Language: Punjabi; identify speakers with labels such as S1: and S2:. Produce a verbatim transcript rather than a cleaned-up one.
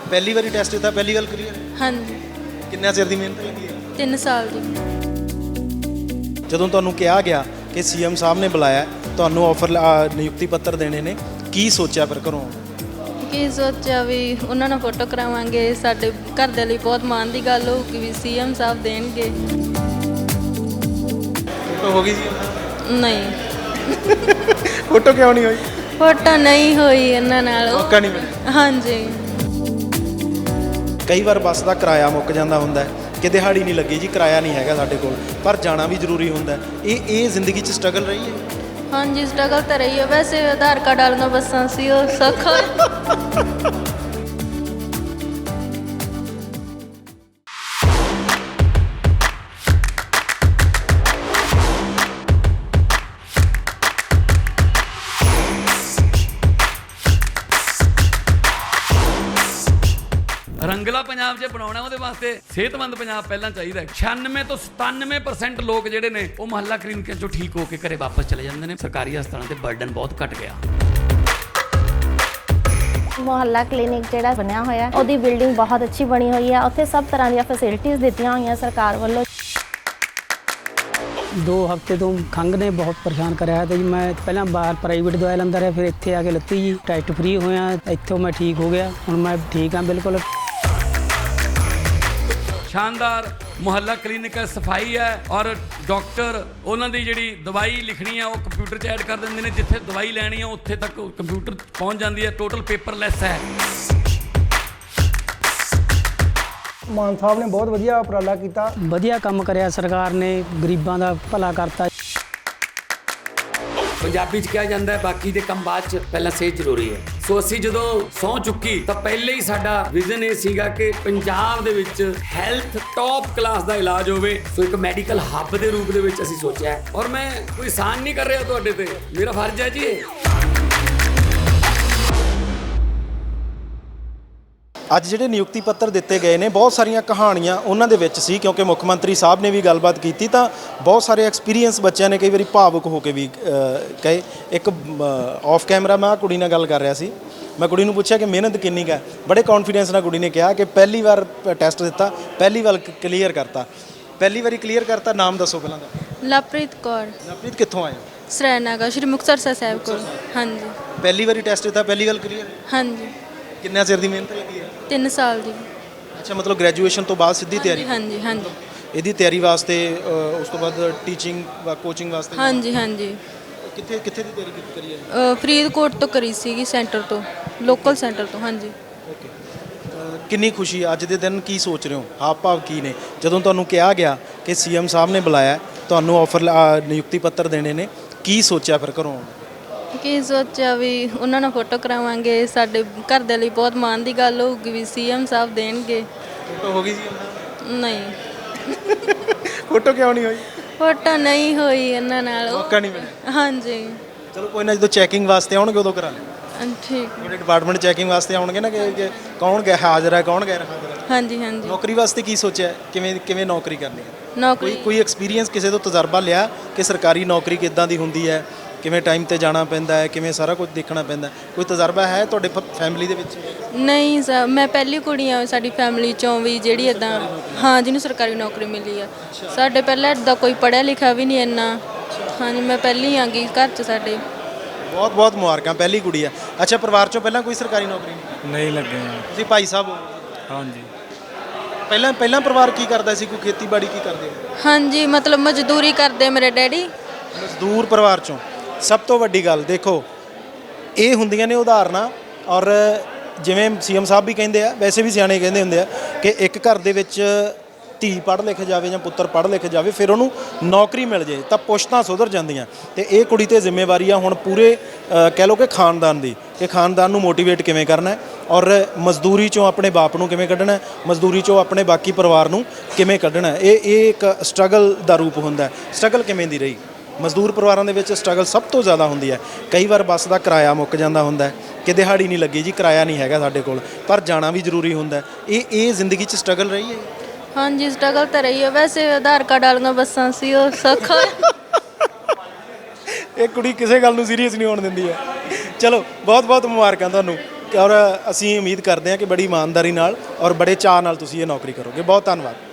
S1: ਪਹਿਲੀ ਵਾਰੀ ਟੈਸਟ ਦਿੱਤਾ, ਪਹਿਲੀ ਗੱਲ ਕਲੀਅਰ?
S2: ਹਾਂਜੀ।
S1: ਕਿੰਨਾ ਚਿਰ ਦੀ ਮਿਹਨਤ ਲੱਗੀ ਹੈ?
S2: ਤਿੰਨ ਸਾਲ ਦੀ।
S1: ਜਦੋਂ ਤੁਹਾਨੂੰ ਕਿਹਾ ਗਿਆ ਕਿ ਸੀਐਮ ਸਾਹਿਬ ਨੇ ਬੁਲਾਇਆ, ਤੁਹਾਨੂੰ ਆਫਰ ਨਿਯੁਕਤੀ ਪੱਤਰ ਦੇਣੇ ਨੇ, ਕੀ ਸੋਚਿਆ ਫਿਰ ਘਰੋਂ?
S2: ਕੀ ਸੋਚਿਆ ਵੀ ਉਹਨਾਂ ਨਾਲ ਫੋਟੋ ਕਰਾਵਾਂਗੇ, ਸਾਡੇ ਘਰ ਦੇ ਲਈ ਬਹੁਤ ਮਾਣ ਦੀ ਗੱਲ ਹੋਊਗੀ ਵੀ ਸੀਐਮ ਸਾਹਿਬ ਦੇਣਗੇ।
S1: ਫੋਟੋ ਹੋ ਗਈ ਜੀ?
S2: ਨਹੀਂ।
S1: ਫੋਟੋ ਕਿਉਂ ਨਹੀਂ ਹੋਈ?
S2: ਫੋਟੋ ਨਹੀਂ ਹੋਈ ਇਹਨਾਂ ਨਾਲ।
S1: ਮੌਕਾ ਨਹੀਂ ਮਿਲਿਆ?
S2: ਹਾਂਜੀ।
S1: ਕਈ ਵਾਰ ਬੱਸ ਦਾ ਕਿਰਾਇਆ ਮੁੱਕ ਜਾਂਦਾ ਹੁੰਦਾ ਹੈ ਕਿ ਦਿਹਾੜੀ ਨਹੀਂ ਲੱਗੀ ਜੀ, ਕਿਰਾਇਆ ਨਹੀਂ ਹੈਗਾ ਸਾਡੇ ਕੋਲ, ਪਰ ਜਾਣਾ ਵੀ ਜ਼ਰੂਰੀ ਹੁੰਦਾ ਹੈ। ਇਹ ਇਹ ਜ਼ਿੰਦਗੀ 'ਚ ਸਟਰਗਲ ਰਹੀ ਹੈ?
S2: ਹਾਂਜੀ, ਸਟਰਗਲ ਤਾਂ ਰਹੀ ਹੈ। ਵੈਸੇ ਆਧਾਰ ਕਾਰਡ ਵਾਲੀਆਂ ਬੱਸਾਂ ਸੀ, ਉਹ ਸੌਖਾ।
S3: ਰੰਗਲਾ ਪੰਜਾਬ ਜੇ ਬਣਾਉਣਾ ਉਹਦੇ ਵਾਸਤੇ ਸਿਹਤਮੰਦ ਪੰਜਾਬ ਪਹਿਲਾਂ ਚਾਹੀਦਾ। ਛਿਆਨਵੇਂ ਤੋਂ ਸਤਾਨਵੇਂ ਪਰਸੈਂਟ ਲੋਕ ਜਿਹੜੇ ਨੇ ਉਹ ਮੁਹੱਲਾ ਕਲੀਨਿਕਾਂ ਚੋਂ ਠੀਕ ਹੋ ਕੇ ਘਰੇ ਵਾਪਸ ਚਲੇ ਜਾਂਦੇ ਨੇ। ਸਰਕਾਰੀ ਹਸਪਤਾਲਾਂ ਤੇ ਬਰਡਨ ਬਹੁਤ ਘਟ ਗਿਆ।
S4: ਮੁਹੱਲਾ ਕਲੀਨਿਕ ਜਿਹੜਾ ਬਣਿਆ ਹੋਇਆ ਉਹਦੀ ਬਿਲਡਿੰਗ ਬਹੁਤ ਅੱਛੀ ਬਣੀ ਹੋਈ ਹੈ। ਉੱਥੇ ਸਭ ਤਰ੍ਹਾਂ ਦੀਆਂ ਫੈਸਿਲਿਟੀਆਂ ਦਿੱਤੀਆਂ ਹੋਈਆਂ ਸਰਕਾਰ ਵੱਲੋਂ।
S5: ਦੋ ਹਫ਼ਤੇ ਤੋਂ ਖੰਘ ਨੇ ਬਹੁਤ ਪਰੇਸ਼ਾਨ ਕਰਿਆ ਤੇ ਜੀ ਮੈਂ ਪਹਿਲਾਂ ਬਾਹਰ ਪ੍ਰਾਈਵੇਟ ਦਵਾਈ ਲੈਂਦਾ ਰਿਹਾ, ਫਿਰ ਇੱਥੇ ਆ ਕੇ ਲੱਤੀ ਜੀ, ਟੈਸਟ ਫ੍ਰੀ ਹੋਇਆ, ਇੱਥੋਂ ਮੈਂ ਠੀਕ ਹੋ ਗਿਆ। ਹੁਣ ਮੈਂ ਠੀਕ ਹਾਂ ਬਿਲਕੁਲ।
S3: ਸ਼ਾਨਦਾਰ ਮੁਹੱਲਾ ਕਲੀਨਿਕ ਹੈ, ਸਫਾਈ ਹੈ, ਔਰ ਡਾਕਟਰ ਉਹਨਾਂ ਦੀ ਜਿਹੜੀ ਦਵਾਈ ਲਿਖਣੀ ਹੈ ਉਹ ਕੰਪਿਊਟਰ 'ਚ ਐਡ ਕਰ ਦਿੰਦੇ ਨੇ। ਜਿੱਥੇ ਦਵਾਈ ਲੈਣੀ ਹੈ ਉੱਥੇ ਤੱਕ ਕੰਪਿਊਟਰ ਪਹੁੰਚ ਜਾਂਦੀ ਹੈ। ਟੋਟਲ ਪੇਪਰਲੈਸ ਹੈ।
S6: ਮਾਨ ਸਾਹਿਬ ਨੇ ਬਹੁਤ ਵਧੀਆ ਉਪਰਾਲਾ ਕੀਤਾ।
S5: ਵਧੀਆ ਕੰਮ ਕਰਿਆ ਸਰਕਾਰ ਨੇ, ਗਰੀਬਾਂ ਦਾ ਭਲਾ ਕਰਤਾ।
S7: ਪੰਜਾਬੀ 'ਚ ਕਿਹਾ ਜਾਂਦਾ ਹੈ ਬਾਕੀ ਦੇ ਕੰਮ ਬਾਅਦ 'ਚ, ਪਹਿਲਾਂ ਸਿਹਤ ਜ਼ਰੂਰੀ ਹੈ। ਸੋ ਅਸੀਂ ਜਦੋਂ ਸਹੁੰ ਚੁੱਕੀ ਤਾਂ ਪਹਿਲੇ ਹੀ ਸਾਡਾ ਵਿਜ਼ਨ ਇਹ ਸੀਗਾ ਕਿ ਪੰਜਾਬ ਦੇ ਵਿੱਚ ਹੈਲਥ ਟੌਪ ਕਲਾਸ ਦਾ ਇਲਾਜ ਹੋਵੇ। ਸੋ ਇੱਕ ਮੈਡੀਕਲ ਹੱਬ ਦੇ ਰੂਪ ਦੇ ਵਿੱਚ ਅਸੀਂ ਸੋਚਿਆ ਹੈ। ਔਰ ਮੈਂ ਕੋਈ ਆਸਾਨ ਨਹੀਂ ਕਰ ਰਿਹਾ ਤੁਹਾਡੇ ਤੇ, ਮੇਰਾ ਫਰਜ਼ ਹੈ ਜੀ ਇਹ।
S1: ਅੱਜ ਜਿਹੜੇ ਨਿਯੁਕਤੀ ਪੱਤਰ ਦਿੱਤੇ ਗਏ ਨੇ, ਬਹੁਤ ਸਾਰੀਆਂ ਕਹਾਣੀਆਂ ਉਹਨਾਂ ਦੇ ਵਿੱਚ ਸੀ, ਕਿਉਂਕਿ ਮੁੱਖ ਮੰਤਰੀ ਸਾਹਿਬ ਨੇ ਵੀ ਗੱਲਬਾਤ ਕੀਤੀ ਤਾਂ ਬਹੁਤ ਸਾਰੇ ਐਕਸਪੀਰੀਅੰਸ ਬੱਚਿਆਂ ਨੇ ਕਈ ਵਾਰੀ ਭਾਵੁਕ ਹੋ ਕੇ ਵੀ ਕਹੇ। ਇੱਕ ਆਫ ਕੈਮਰਾ ਮੈਂ ਕੁੜੀ ਨਾਲ ਗੱਲ ਕਰ ਰਿਹਾ ਸੀ, ਮੈਂ ਕੁੜੀ ਨੂੰ ਪੁੱਛਿਆ ਕਿ ਮਿਹਨਤ ਕਿੰਨੀ ਕੁ ਹੈ। ਬੜੇ ਕੌਨਫੀਡੈਂਸ ਨਾਲ ਕੁੜੀ ਨੇ ਕਿਹਾ ਕਿ ਪਹਿਲੀ ਵਾਰ ਟੈਸਟ ਦਿੱਤਾ, ਪਹਿਲੀ ਵਾਰ ਕਲੀਅਰ ਕਰਤਾ। ਪਹਿਲੀ ਵਾਰੀ ਕਲੀਅਰ ਕਰਤਾ। ਨਾਮ ਦੱਸੋ ਪਹਿਲਾਂ ਦਾ?
S2: ਲਵਪ੍ਰੀਤ ਕੌਰ।
S1: ਲਵਪ੍ਰੀਤ ਕਿੱਥੋਂ ਆਏ ਹੋ?
S2: ਸਰੈਨਾਗਾ, ਸ਼੍ਰੀ ਮੁਕਤਸਰ ਸਾਹਿਬ ਕੋਲ। ਹਾਂਜੀ।
S1: ਪਹਿਲੀ ਵਾਰੀ ਟੈਸਟ ਦਿੱਤਾ, ਪਹਿਲੀ ਗੱਲ ਕਲੀਅਰ?
S2: ਹਾਂਜੀ।
S1: ਕਿੰਨਾ ਚਿਰ ਦੀ ਮਿਹਨਤ ਲੱਗੀ ਹੈ?
S2: ਤਿੰਨ ਸਾਲ ਦੀ।
S1: ਅੱਛਾ, ਮਤਲਬ ਗ੍ਰੈਜੂਏਸ਼ਨ ਤੋਂ ਬਾਅਦ ਸਿੱਧੀ ਤਿਆਰੀ?
S2: ਹਾਂਜੀ ਹਾਂਜੀ।
S1: ਇਹਦੀ ਤਿਆਰੀ ਵਾਸਤੇ ਉਸ ਤੋਂ ਬਾਅਦ ਟੀਚਿੰਗ ਕੋਚਿੰਗ ਵਾਸਤੇ?
S2: ਹਾਂਜੀ ਹਾਂਜੀ।
S1: ਕਿੱਥੇ ਕਿੱਥੇ ਦੀ ਤਿਆਰੀ ਕੀਤੀ ਕਰੀ ਹੈ?
S2: ਫਰੀਦਕੋਟ ਤੋਂ ਕਰੀ ਸੀਗੀ, ਸੈਂਟਰ ਤੋਂ, ਲੋਕਲ ਸੈਂਟਰ ਤੋਂ। ਹਾਂਜੀ।
S1: ਓਕੇ। ਕਿੰਨੀ ਖੁਸ਼ੀ ਅੱਜ ਦੇ ਦਿਨ, ਕੀ ਸੋਚ ਰਹੇ ਹੋ, ਹਾਵ ਭਾਵ ਕੀ ਨੇ ਜਦੋਂ ਤੁਹਾਨੂੰ ਕਿਹਾ ਗਿਆ ਕਿ ਸੀਐਮ ਸਾਹਿਬ ਨੇ ਬੁਲਾਇਆ, ਤੁਹਾਨੂੰ ਆਫਰ ਨਿਯੁਕਤੀ ਪੱਤਰ ਦੇਣੇ ਨੇ, ਕੀ ਸੋਚਿਆ ਫਿਰ ਘਰੋਂ?
S2: ਕੀ ਸੋਚਿਆ ਵੀ ਉਹਨਾਂ ਨਾਲ ਫੋਟੋ ਕਰਾਵਾਂਗੇ, ਸਾਡੇ ਘਰ ਦੇ ਲਈ ਬਹੁਤ ਮਾਣ ਦੀ ਗੱਲ ਹੋਊਗੀ ਵੀ ਸੀਐਮ ਸਾਹਿਬ ਦੇਣਗੇ।
S1: ਫੋਟੋ ਹੋ ਗਈ ਜੀ?
S2: ਨਹੀਂ।
S1: ਫੋਟੋ ਕਿਉਂ ਨਹੀਂ ਹੋਈ?
S2: ਫੋਟੋ ਨਹੀਂ ਹੋਈ ਇਹਨਾਂ ਨਾਲ।
S1: ਮੌਕਾ ਨਹੀਂ ਮਿਲਿਆ?
S2: ਹਾਂਜੀ।
S1: ਚਲੋ ਕੋਈ ਨਾ, ਜਦੋਂ ਚੈਕਿੰਗ ਵਾਸਤੇ ਆਉਣਗੇ ਉਦੋਂ ਕਰਾ ਲਿਓ।
S2: ਠੀਕ।
S1: ਤੁਹਾਡੇ ਡਿਪਾਰਟਮੈਂਟ ਚੈਕਿੰਗ ਵਾਸਤੇ ਆਉਣਗੇ ਨਾ ਕਿ ਕੌਣ ਗਿਆ ਹਾਜ਼ਰ ਹੈ, ਕੌਣ ਗੈਰ ਹਾਜ਼ਰ ਹੈ।
S2: ਹਾਂਜੀ ਹਾਂਜੀ।
S1: ਨੌਕਰੀ ਵਾਸਤੇ ਕੀ ਸੋਚਿਆ, ਕਿਵੇਂ ਕਿਵੇਂ ਨੌਕਰੀ ਕਰਨੀ ਹੈ?
S2: ਨੌਕਰੀ
S1: ਕੋਈ ਕੋਈ ਐਕਸਪੀਰੀਅੰਸ, ਕਿਸੇ ਤੋਂ ਤਜਰਬਾ ਲਿਆ ਕਿ ਸਰਕਾਰੀ ਨੌਕਰੀ ਕਿੱਦਾਂ ਦੀ ਹੁੰਦੀ ਹੈ, ਕਿਵੇਂ ਟਾਈਮ ਤੇ ਜਾਣਾ ਪੈਂਦਾ ਹੈ, ਕਿਵੇਂ ਸਾਰਾ ਕੁਝ ਦੇਖਣਾ ਪੈਂਦਾ? ਕੋਈ ਤਜਰਬਾ ਹੈ ਤੁਹਾਡੇ ਫੈਮਿਲੀ ਦੇ ਵਿੱਚ?
S2: ਨਹੀਂ ਸਰ, ਮੈਂ ਪਹਿਲੀ ਕੁੜੀ ਆ ਸਾਡੀ ਫੈਮਿਲੀ ਚੋਂ ਵੀ ਜਿਹੜੀ ਇੱਦਾਂ, ਹਾਂ, ਜਿਹਨੂੰ ਸਰਕਾਰੀ ਨੌਕਰੀ ਮਿਲੀ ਆ। ਸਾਡੇ ਪਹਿਲਾਂ ਇੱਦਾਂ ਕੋਈ ਪੜ੍ਹਿਆ ਲਿਖਿਆ ਵੀ ਨਹੀਂ ਇੰਨਾ। ਹਾਂਜੀ, ਮੈਂ ਪਹਿਲੀ ਆਂਗੀ ਘਰ 'ਚ ਸਾਡੇ।
S1: ਬਹੁਤ ਬਹੁਤ ਮੁਬਾਰਕਾਂ, ਪਹਿਲੀ ਕੁੜੀ ਆ। ਅੱਛਾ, ਪਰਿਵਾਰ 'ਚੋਂ ਪਹਿਲਾਂ ਕੋਈ ਸਰਕਾਰੀ ਨੌਕਰੀ ਨਹੀਂ?
S8: ਨਹੀਂ ਲੱਗੇ।
S1: ਤੁਸੀਂ ਭਾਈ ਸਾਹਿਬ ਹੋ?
S8: ਹਾਂਜੀ।
S1: ਪਹਿਲਾਂ ਪਹਿਲਾਂ ਪਰਿਵਾਰ ਕੀ ਕਰਦਾ ਸੀ? ਕੋਈ ਖੇਤੀਬਾੜੀ ਕੀ ਕਰਦੇ?
S2: ਹਾਂਜੀ, ਮਤਲਬ ਮਜ਼ਦੂਰੀ ਕਰਦੇ ਮੇਰੇ ਡੈਡੀ।
S1: ਮਜ਼ਦੂਰ ਪਰਿਵਾਰ 'ਚੋਂ। ਸਭ ਤੋਂ ਵੱਡੀ ਗੱਲ ਦੇਖੋ, ਇਹ ਹੁੰਦੀਆਂ ਨੇ ਉਦਾਹਰਨਾਂ। ਔਰ ਜਿਵੇਂ ਸੀਐਮ ਸਾਹਿਬ ਵੀ ਕਹਿੰਦੇ ਆ, ਵੈਸੇ ਵੀ ਸਿਆਣੇ ਕਹਿੰਦੇ ਹੁੰਦੇ ਆ ਕਿ ਇੱਕ ਘਰ ਦੇ ਵਿੱਚ ਧੀ ਪੜ੍ਹ ਲਿਖ ਜਾਵੇ ਜਾਂ ਪੁੱਤਰ ਪੜ੍ਹ ਲਿਖ ਜਾਵੇ, ਫਿਰ ਉਹਨੂੰ ਨੌਕਰੀ ਮਿਲ ਜੇ ਤਾਂ ਪੁਸ਼ਤਾਂ ਸੁਧਰ ਜਾਂਦੀਆਂ। ਤੇ ਇਹ ਕੁੜੀ 'ਤੇ ਜ਼ਿੰਮੇਵਾਰੀ ਆ ਹੁਣ ਪੂਰੇ ਕਹਿ ਲਓ ਕਿ ਖਾਨਦਾਨ ਦੀ, ਕਿ ਖਾਨਦਾਨ ਨੂੰ ਮੋਟੀਵੇਟ ਕਿਵੇਂ ਕਰਨਾ ਔਰ ਮਜ਼ਦੂਰੀ 'ਚੋਂ ਆਪਣੇ ਬਾਪ ਨੂੰ ਕਿਵੇਂ ਕੱਢਣਾ, ਮਜ਼ਦੂਰੀ 'ਚੋਂ ਆਪਣੇ ਬਾਕੀ ਪਰਿਵਾਰ ਨੂੰ ਕਿਵੇਂ ਕੱਢਣਾ। ਇਹ ਇਹ ਇੱਕ ਸਟਰਗਲ ਦਾ ਰੂਪ ਹੁੰਦਾ। ਸਟਰਗਲ ਕਿਵੇਂ ਦੀ ਰਹੀ? ਮਜ਼ਦੂਰ ਪਰਿਵਾਰਾਂ ਦੇ ਵਿੱਚ ਸਟਰਗਲ ਸਭ ਤੋਂ ਜ਼ਿਆਦਾ ਹੁੰਦੀ ਹੈ। ਕਈ ਵਾਰ ਬੱਸ ਦਾ ਕਿਰਾਇਆ ਮੁੱਕ ਜਾਂਦਾ ਹੁੰਦਾ ਕਿ ਦਿਹਾੜੀ ਨਹੀਂ ਲੱਗੀ ਜੀ, ਕਿਰਾਇਆ ਨਹੀਂ ਹੈਗਾ ਸਾਡੇ ਕੋਲ, ਪਰ ਜਾਣਾ ਵੀ ਜ਼ਰੂਰੀ ਹੁੰਦਾ। ਇਹ ਇਹ ਜ਼ਿੰਦਗੀ 'ਚ ਸਟਰਗਲ ਰਹੀ ਹੈ?
S2: ਹਾਂਜੀ, ਸਟਰਗਲ ਤਾਂ ਰਹੀ ਹੈ। ਵੈਸੇ ਆਧਾਰ ਕਾਰਡ ਵਾਲੀਆਂ ਬੱਸਾਂ ਸੀ, ਉਹ ਸੌਖਾ।
S1: ਇਹ ਕੁੜੀ ਕਿਸੇ ਗੱਲ ਨੂੰ ਸੀਰੀਅਸ ਨਹੀਂ ਹੋਣ ਦਿੰਦੀ ਹੈ। ਚਲੋ, ਬਹੁਤ ਬਹੁਤ ਮੁਬਾਰਕਾਂ ਤੁਹਾਨੂੰ। ਔਰ ਅਸੀਂ ਉਮੀਦ ਕਰਦੇ ਹਾਂ ਕਿ ਬੜੀ ਇਮਾਨਦਾਰੀ ਨਾਲ ਔਰ ਬੜੇ ਚਾਅ ਨਾਲ ਤੁਸੀਂ ਇਹ ਨੌਕਰੀ ਕਰੋਗੇ। ਬਹੁਤ ਧੰਨਵਾਦ।